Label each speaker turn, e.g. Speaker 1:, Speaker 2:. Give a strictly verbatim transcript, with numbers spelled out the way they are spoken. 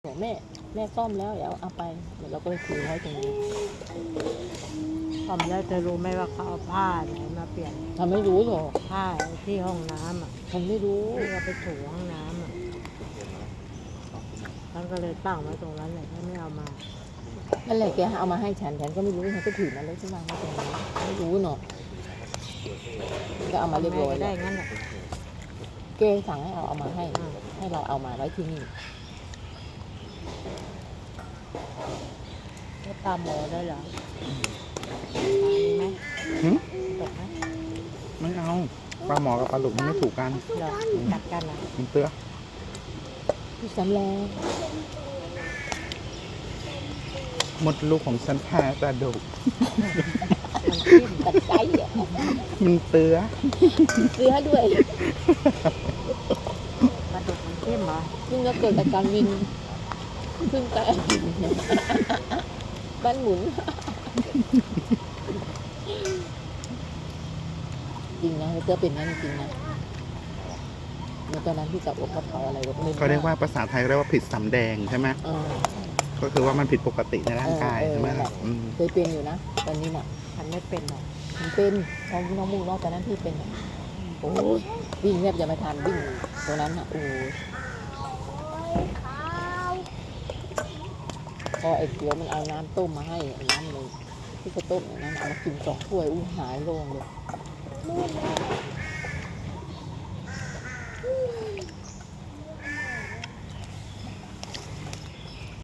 Speaker 1: บอกแม่แม่ซ่อมแล้วเดี๋ยวเอาไปเดี๋ยวเราก็เลยถือไว้ตรงนี้
Speaker 2: ซ่อมแล้วจะรู้ไหมว่าเขาเอาผ้าไหนมาเปลี่ยน
Speaker 1: ทำไม่รู้หรอก
Speaker 2: ผ้าที่ห้องน้ำอ่ะ
Speaker 1: ฉันไม่รู้
Speaker 2: ที่เราไปถูห้องน้ำอ่ะฉันก็เลยตั้งไว้ตรงนั้นเลยไม่เอามา
Speaker 1: นั่นแหละแกเอามาให้ฉันฉันก็ไม่รู้ฉันก็ถือมาแล้วใช่ไหมไม่เป็นไรไม่รู้เนาะก็เอามาเรียบร้อย
Speaker 2: ได้งั้นแหละ
Speaker 1: แกสั่งให้เอาเอามาให้ให้เราเอามาไว้ที่นี่
Speaker 2: ก็ตามหมอได้เหรอมีไหมตกไหม
Speaker 3: ไม่เอาปลาหมอกับปลาหลุมมันไม่ถูกกัน
Speaker 2: เหรอกัดกันเหรอ
Speaker 3: มันเตื้อ
Speaker 1: พี่สำแรง
Speaker 3: มดลูกของฉันแพ้กระดูก
Speaker 1: ตัดใจอ่ะ
Speaker 3: มันเตื้อ
Speaker 1: เตื้อด้วย
Speaker 2: กระดูกมันเข้มเหรอ
Speaker 1: เพิ่งจะเกิดอาการวินเพิ่งจะบ้านหมุนจริงนะเตื้อเป็นนั่นจริงนะเมื่อตอนนั้นที่จับอกเขาเผาอะไรก็ไม่รู้
Speaker 3: เขาเรียกว่าภาษาไทยเรียกว่าผิดสำแดงใช่ไหมก็คือว่ามันผิดปกติในร่างกายใช่ไหม
Speaker 1: เคยเป็นอยู่นะตอนนี้น่ะ
Speaker 2: ฉันไม่เป็นหรอก
Speaker 1: ฉันเป็นน้องน้องมูน้องตอนนั้นพี่เป็นโอ้ยวิ่งแทบจะไม่ทันวิ่งตรงนั้นอ่ะโอ้พอไอ้เขียวมันเอาน้ำต้มมาให้น้ำเลยที่เขาต้มนั้นเอามากินสองถ้วยอู้หายโล่งเลย